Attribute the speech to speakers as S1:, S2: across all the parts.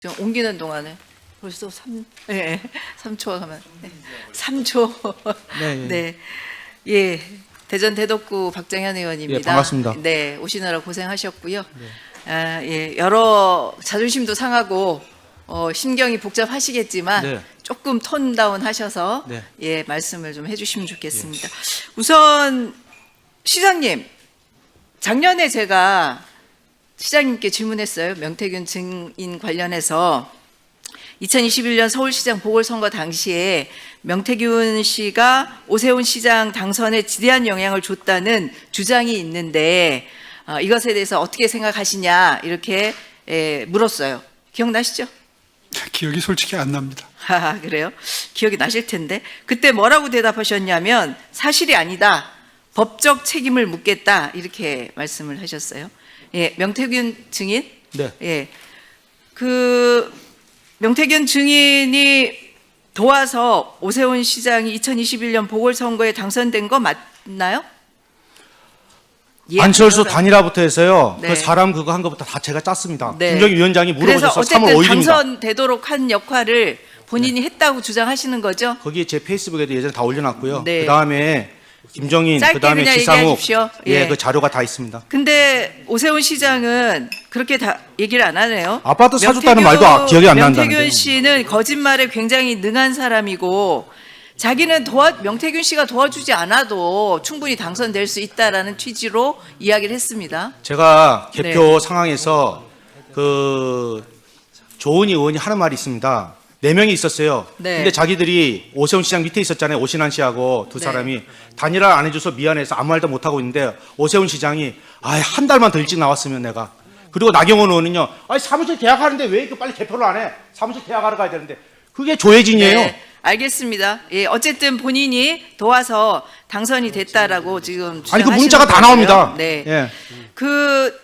S1: 좀 옮기는 동안에 벌써 3초가 가면 3초.
S2: 네,
S1: 네. 예. 대전 대덕구 박정현 의원입니다.
S2: 예, 반갑습니다.
S1: 네, 오시느라 고생하셨고요. 예, 여러 자존심도 상하고 심경이 복잡하시겠지만
S2: 네.
S1: 조금 톤 다운 하셔서
S2: 네.
S1: 예, 말씀을 좀 해주시면 좋겠습니다. 우선 시장님, 작년에 제가 시장님께 질문했어요. 명태균 증인 관련해서 2021년 서울시장 보궐선거 당시에 명태균 씨가 오세훈 시장 당선에 지대한 영향을 줬다는 주장이 있는데 이것에 대해서 어떻게 생각하시냐 이렇게 물었어요. 기억나시죠?
S3: 기억이 솔직히 안 납니다.
S1: 아, 그래요? 기억이 나실 텐데 그때 뭐라고 대답하셨냐면 사실이 아니다. 법적 책임을 묻겠다 이렇게 말씀을 하셨어요. 예, 명태균 증인.
S2: 네.
S1: 예, 그 명태균 증인이 도와서 오세훈 시장이 2021년 보궐선거에 당선된 거 맞나요? 예,
S2: 안철수
S1: 아니요.
S2: 단일화부터 해서요.
S1: 네.
S2: 그 사람 그거 한 것부터 다 제가 짰습니다.
S1: 네.
S2: 김정희 위원장이
S1: 그래서
S2: 물어보셔서
S1: 어쨌든
S2: 3월 5일입니다.
S1: 당선되도록 한 역할을 본인이 했다고 주장하시는 거죠?
S2: 거기에 제 페이스북에도 예전에 다 올려놨고요.
S1: 네.
S2: 그 다음에 김정인,
S1: 짧게
S2: 그 다음에
S1: 그냥
S2: 지상욱,
S1: 얘기하십시오. 예.
S2: 그 자료가 다 있습니다.
S1: 근데 오세훈 시장은 그렇게 다 얘기를 안 하네요.
S2: 아파트 사줬다는 말도 기억이 안 난다는데요.
S1: 명태균 씨는 거짓말에 굉장히 능한 사람이고 자기는 명태균 씨가 도와주지 않아도 충분히 당선될 수 있다라는 취지로 이야기를 했습니다.
S2: 제가 개표
S1: 네.
S2: 상황에서 그 조은희 의원이 하는 말이 있습니다. 4명이 있었어요.
S1: 네.
S2: 근데 자기들이 오세훈 시장 밑에 있었잖아요. 오신환 씨하고 두
S1: 네.
S2: 사람이 단일화 안 해줘서 미안해서 아무 말도 못 하고 있는데 오세훈 시장이 한 달만 더 일찍 나왔으면 내가. 그리고 나경원 의원은요. 사무실 계약하는데 왜 이렇게 빨리 개표를 안 해? 사무실 계약하러 가야 되는데. 그게 조혜진이에요.
S1: 네, 알겠습니다. 예, 어쨌든 본인이 도와서 당선이 됐다라고 지금
S2: 아니 그
S1: 주장하시는
S2: 문자가 다
S1: 거고요.
S2: 나옵니다.
S1: 네.
S2: 예.
S1: 그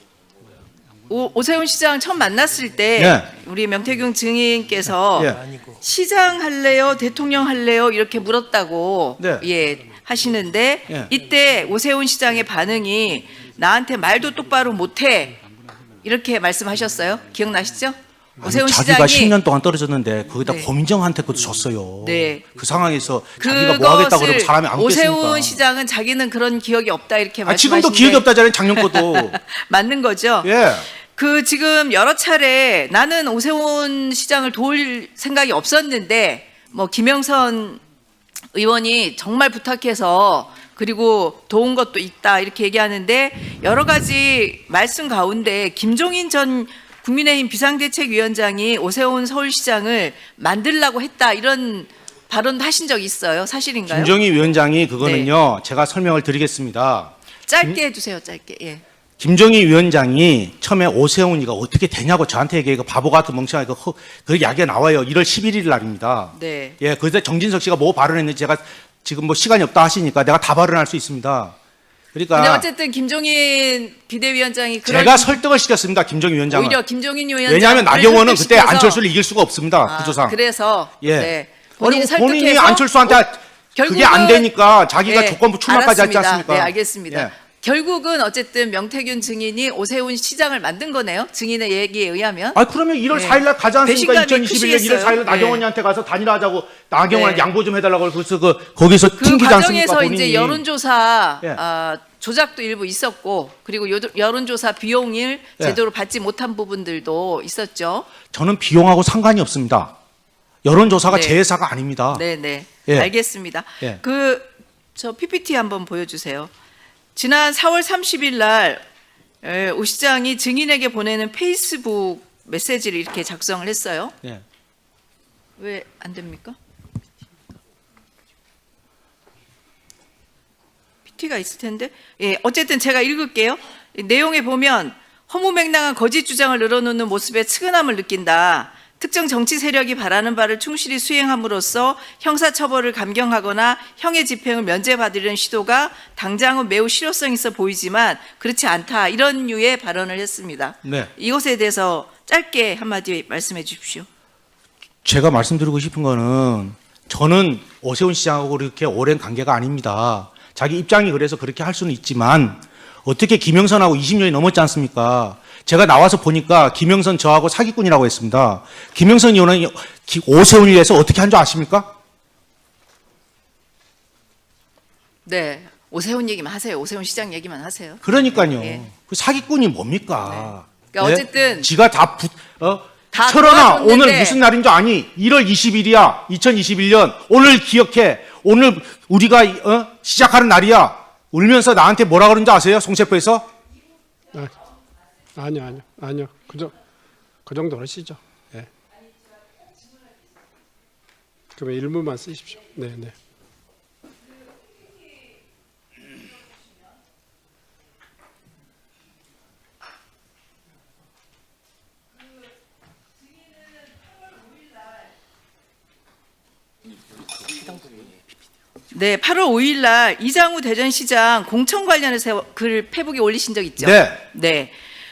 S1: 오세훈 시장 처음 만났을 때
S2: 예.
S1: 우리 명태균 증인께서
S2: 예.
S1: 시장 할래요, 대통령 할래요 이렇게 물었다고
S2: 네.
S1: 예 하시는데
S2: 예.
S1: 이때 오세훈 시장의 반응이 나한테 말도 똑바로 못해 이렇게 말씀하셨어요. 기억나시죠? 오세훈
S2: 자기가
S1: 시장이
S2: 10년 동안 떨어졌는데 거기다
S1: 네.
S2: 고민정한테 그것도 줬어요.
S1: 네.
S2: 그 상황에서 자기가 뭐 하겠다고 그러고 사람이 안
S1: 오세훈
S2: 겠습니까?
S1: 시장은 자기는 그런 기억이 없다 이렇게 말씀하시는데
S2: 지금도 기억이 없다잖아요. 작년 것도.
S1: 맞는 거죠?
S2: 예.
S1: 그 지금 여러 차례 나는 오세훈 시장을 도울 생각이 없었는데 뭐 김영선 의원이 정말 부탁해서 그리고 도운 것도 있다 이렇게 얘기하는데 여러 가지 말씀 가운데 김종인 전 국민의힘 비상대책위원장이 오세훈 서울시장을 만들라고 했다 이런 발언도 하신 적이 있어요. 사실인가요?
S2: 김정희 위원장이 그거는요. 제가 설명을 드리겠습니다.
S1: 짧게 해주세요. 짧게. 예.
S2: 김정희 위원장이 처음에 오세훈이가 어떻게 되냐고 저한테 얘기해. 바보 같은 멍청하게 그 이야기가 나와요. 1월 11일 날입니다.
S1: 네.
S2: 예, 그때 정진석 씨가 뭐 발언했는지 제가 지금 뭐 시간이 없다 하시니까 내가 다 발언할 수 있습니다.
S1: 근데
S2: 그러니까
S1: 어쨌든 김종인 비대위원장이 그런
S2: 제가 설득을 시켰습니다. 김정희 위원장을.
S1: 오히려 김종인 위원장
S2: 왜냐하면 나경원은 그때 안철수를 이길 수가 없습니다. 구조상.
S1: 그래서
S2: 예.
S1: 네. 본인이
S2: 아니, 본인이
S1: 설득해서
S2: 안철수한테 그게 안 되니까 자기가
S1: 네,
S2: 조건부 출마까지 하지
S1: 알았습니다.
S2: 않습니까?
S1: 네, 알겠습니다.
S2: 예.
S1: 결국은 어쨌든 명태균 증인이 오세훈 시장을 만든 거네요. 증인의 얘기에 의하면.
S2: 그러면 1월
S1: 네.
S2: 4일 날 가지 않습니까?
S1: 배신감이
S2: 2021년 1월
S1: 크시겠어요.
S2: 4일 날 나경원이한테 가서 단일화하자고 나경원
S1: 네.
S2: 양보 좀 해달라고 그래서 거기서
S1: 그
S2: 튕기지 않습니까?
S1: 과정에서
S2: 본인이.
S1: 이제 여론조사
S2: 예.
S1: 조작도 일부 있었고 그리고 여론조사 비용을
S2: 예.
S1: 제대로 받지 못한 부분들도 있었죠.
S2: 저는 비용하고 상관이 없습니다. 여론조사가
S1: 네.
S2: 제 회사가 아닙니다.
S1: 네네.
S2: 예.
S1: 알겠습니다.
S2: 예.
S1: 저 PPT 한번 보여주세요. 지난 4월 30일 날 오 시장이 증인에게 보내는 페이스북 메시지를 이렇게 작성을 했어요.
S2: 예.
S1: 왜 안 됩니까? PT가 있을 텐데. 예, 어쨌든 제가 읽을게요. 이 내용에 보면 허무맹랑한 거짓 주장을 늘어놓는 모습에 측은함을 느낀다. 특정 정치 세력이 바라는 바를 충실히 수행함으로써 형사처벌을 감경하거나 형의 집행을 면제받으려는 시도가 당장은 매우 실효성 있어 보이지만 그렇지 않다. 이런 류의 발언을 했습니다.
S2: 네.
S1: 이것에 대해서 짧게 한마디 말씀해 주십시오.
S2: 제가 말씀드리고 싶은 거는 저는 오세훈 시장하고 그렇게 오랜 관계가 아닙니다. 자기 입장이 그래서 그렇게 할 수는 있지만 어떻게 김영선하고 20년이 넘었지 않습니까? 제가 나와서 보니까 김영선 저하고 사기꾼이라고 했습니다. 김영선 의원은 오세훈을 위해서 어떻게 한 줄 아십니까?
S1: 네. 오세훈 얘기만 하세요. 오세훈 시장 얘기만 하세요.
S2: 그러니까요.
S1: 예.
S2: 그 사기꾼이 뭡니까?
S1: 그러니까 어쨌든
S2: 지가 다
S1: 다
S2: 철원아
S1: 도와줬는데.
S2: 오늘 무슨 날인 줄 아니? 1월 20일이야. 2021년. 오늘 기억해. 오늘 우리가 시작하는 날이야. 울면서 나한테 뭐라 그런지 아세요? 송세포에서?
S4: 아니요. 그 정도 하시죠. 예. 그러면 일부만 쓰십시오. 네.
S1: 네, 8월 5일 날 이장우 대전시장 공천 관련해서 글 페북에 올리신 적 있죠?
S2: 네.
S1: 네.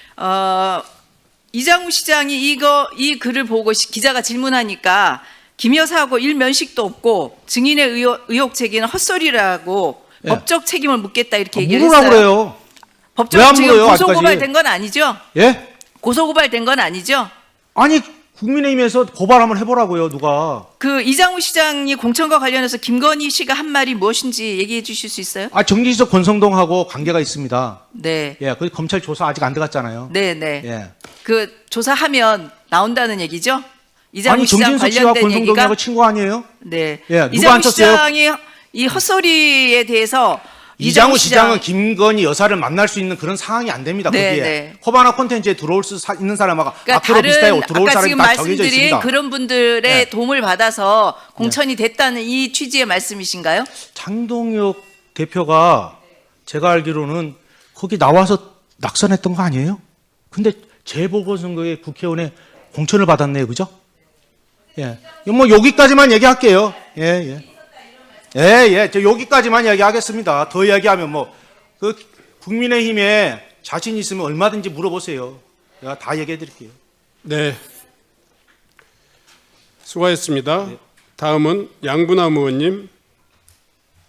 S1: 이장우 시장이 이 글을 보고 기자가 질문하니까 김 여사하고 일면식도 없고 증인의 의혹 제기는 헛소리라고
S2: 네.
S1: 법적 책임을 묻겠다 이렇게 얘기를
S2: 물으라고
S1: 했어요.
S2: 그래요. 왜
S1: 법적
S2: 안
S1: 지금
S2: 물어요,
S1: 고소고발된 건 아니죠?
S2: 예?
S1: 고소고발된 건 아니죠?
S2: 아니 국민의힘에서 고발 한번 해보라고요. 누가?
S1: 그 이장우 시장이 공천과 관련해서 김건희 씨가 한 말이 무엇인지 얘기해 주실 수 있어요?
S2: 정기지석 권성동하고 관계가 있습니다.
S1: 네.
S2: 예, 그 검찰 조사 아직 안 들어갔잖아요.
S1: 네.
S2: 예.
S1: 그 조사하면 나온다는 얘기죠? 이장우
S2: 아니
S1: 시장
S2: 정진석 씨와
S1: 관련된
S2: 권성동하고
S1: 얘기가
S2: 친구 아니에요?
S1: 네.
S2: 예, 누가
S1: 이장우
S2: 안 쳤어요?
S1: 시장이 이 헛소리에 대해서
S2: 이장우 시장은 김건희 여사를 만날 수 있는 그런 상황이 안 됩니다.
S1: 네,
S2: 거기에
S1: 네.
S2: 코바나 콘텐츠에 들어올 수 있는 사람하고
S1: 그러니까
S2: 앞으로 비슷하게 들어올
S1: 아까
S2: 사람이
S1: 지금
S2: 다 정해져
S1: 말씀드린
S2: 있습니다.
S1: 그런 분들의
S2: 네.
S1: 도움을 받아서 공천이 됐다는 이 취지의 말씀이신가요?
S2: 장동혁 대표가 제가 알기로는 거기 나와서 낙선했던 거 아니에요? 근데 재보궐선거에 국회의원에 공천을 받았네요, 그죠? 예, 뭐 여기까지만 얘기할게요. 저 여기까지만 얘기하겠습니다. 더 얘기하면 그 국민의힘에 자신 있으면 얼마든지 물어보세요. 제가 다 얘기해드릴게요.
S4: 네. 수고하셨습니다. 다음은 양분남 의원님.